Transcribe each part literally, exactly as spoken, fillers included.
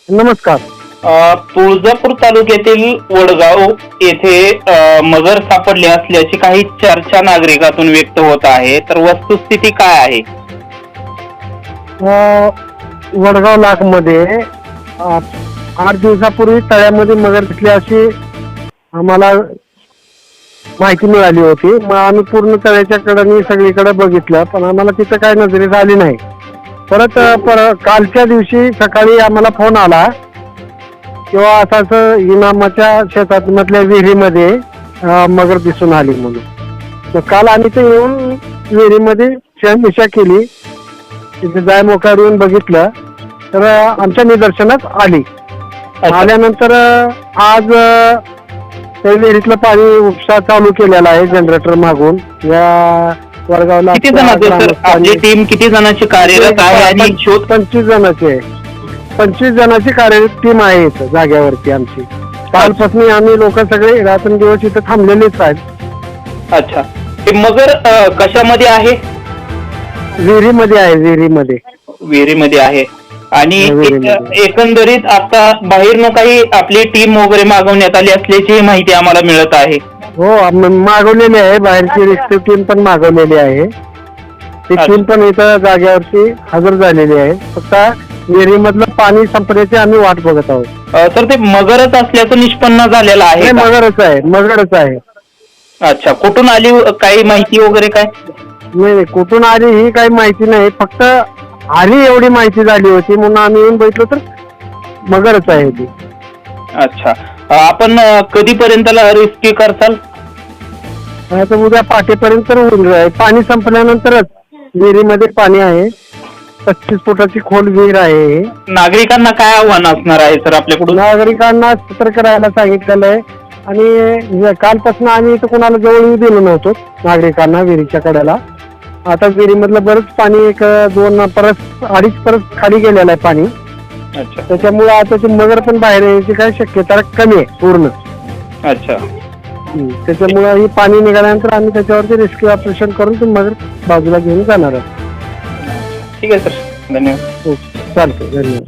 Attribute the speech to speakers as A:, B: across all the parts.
A: नमस्कार.
B: अ, तुळजापूर तालुक्यातील वडगाव येथे अ, मगर सापडले असल्याची काही चर्चा नागरिकातून व्यक्त होत आहे. तर वस्तुस्थिती काय आहे?
A: अ, वडगाव लाख मध्ये आठ दिवसापूर्वी तळ्यामध्ये मगर दिसली अशी आम्हाला माहिती मिळाली होती. मग आम्ही पूर्ण तळ्याच्या कडेने सगळीकडे बघितलं, पण आम्हाला तिथं काय नजरेत आली नाही. परत अ, पर कालच्या दिवशी सकाळी आम्हाला फोन आला किंवा असं असं इनामाच्या शेतात मधल्या विहिरीमध्ये अ, मगर दिसून आली म्हणून. मग काल आम्ही ते येऊन विहिरीमध्ये शहनिशा केली. तिथे जाय मोकार येऊन बघितलं तर अ, आमच्या निदर्शनात आली. आल्यानंतर अ, आज अ, त्या विहिरीतलं पाणी उपसा चालू केलेला आहे जनरेटर मागून. या वडगावला
B: किती जणांची सर आपली टीम किती जणांची कार्यरत आहे आणि शोध
A: पंचवीस जणांची आहे. पंचवीस जणांची कार्यरत टीम आहे इथं जाग्यावरती आमची. कालपासून आम्ही लोक सगळे रात्रंदिवस इथं थांबलेलेच आहेत.
B: अच्छा, ते मगर अ, कशामध्ये आहे?
A: विहिरीमध्ये आहे. विहिरीमध्ये
B: विहिरीमध्ये आहे. आणि
A: विहिरीमध्ये.
B: एक- एकंदरीत आता बाहेरनं काही आपली टीम वगैरे मागवण्यात आली असल्याची माहिती आम्हाला मिळत आहे.
A: हो, आम- मागवलेली आहे. बाहेरची रेस्क्यू टीम पण मागवलेली आहे. ती
B: अच्छा.
A: टीम पण इथं जाग्यावरती हजर झालेली आहे. फक्त विहिरीमधलं पाणी संपण्याची आम्ही वाट बघत आहोत.
B: अ, तर ते मगरच असल्याचं निष्पन्न झालेलं आहे
A: हे
B: का?
A: मगरच आहे. मगरच आहे.
B: अच्छा, कुठून आली काही माहिती वगैरे काय?
A: नाही नाही, कुठून आली ही काही माहिती नाही. फक्त आली एवढी माहिती झाली होती म्हणून आम्ही येऊन बघितलं तर मगरच आहे ती.
B: अच्छा, अ, आपण अ, कधीपर्यंतला रेस्क्यू करताल?
A: आता उद्या पाठीपर्यंत तर होऊन जाईल. पाणी संपल्यानंतरच विहिरीमध्ये पाणी आहे. पस्तीस फुटाची खोल विहीर आहे.
B: नागरिकांना काय आव्हान असणार आहे सर आपल्याकडून?
A: नागरिकांना सतर्क राहायला सांगितलेलं आहे. आणि कालपासून आम्ही इथं कोणाला जवळ येऊ दिलो नव्हतो नागरिकांना विहिरीच्या कड्याला. आता विहिरीमधलं बरंच पाणी एक दोन परत अडीच परत खाली गेलेलं आहे पाणी.
B: अच्छा
A: त्याच्यामुळे आता ते मगर पण बाहेर यायची काय शक्यता कमी आहे पूर्ण.
B: अच्छा,
A: हम्म. त्याच्यामुळे ही पाणी निघाल्यानंतर आम्ही त्याच्यावरती रेस्क्यू ऑपरेशन करून ते मगर बाजूला घेऊन जाणार आहोत.
B: ठीक आहे सर, धन्यवाद.
A: हो, चालतंय. धन्यवाद.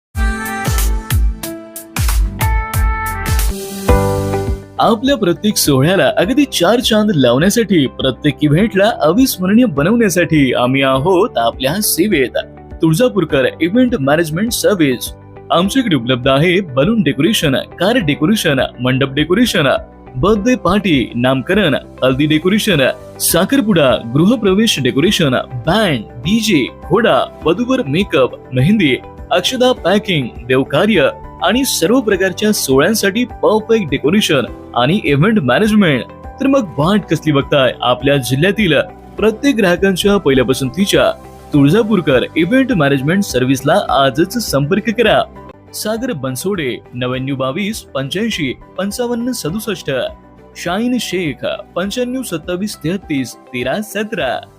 C: आपल्या प्रत्येक सोहळ्याला अगदी चार चांद लावण्यासाठी, प्रत्येक इव्हेंटला अविस्मरणीय बनवण्यासाठी आम्ही आहोत आपल्या सेवेत. Tuljapurkar event management service. आमच्याकडे उपलब्ध आहे बलून डेकोरेशन, कार डेकोरेशन, मंडप डेकोरेशन, बर्थडे पार्टी, नामकरण, हल्दी डेकोरेशन, साखरपुडा, गृहप्रवेश डेकोरेशन, बँड, डीजे, घोडा, वधूवर मेकअप, मेहंदी, अक्षदा पॅकिंग, देवकार्य आणि सर्व प्रकारच्या सोहळ्यांसाठी परफेक्ट डेकोरेशन आणि इव्हेंट मॅनेजमेंट. तर मग वाट कसली बघताय? आपल्या जिल्ह्यातील प्रत्येक ग्राहकांच्या पहिल्या पसंतीच्या तुळजापूरकर इव्हेंट मॅनेजमेंट सर्व्हिसला आजच संपर्क करा. सागर बनसोडे, नव्याण्णव बावीस पंच्याऐंशी पंचावन्न सदुसष्ट. शाहीन शेख, पंच्याण्णव सत्तावीस तेहतीस तेरा सतरा.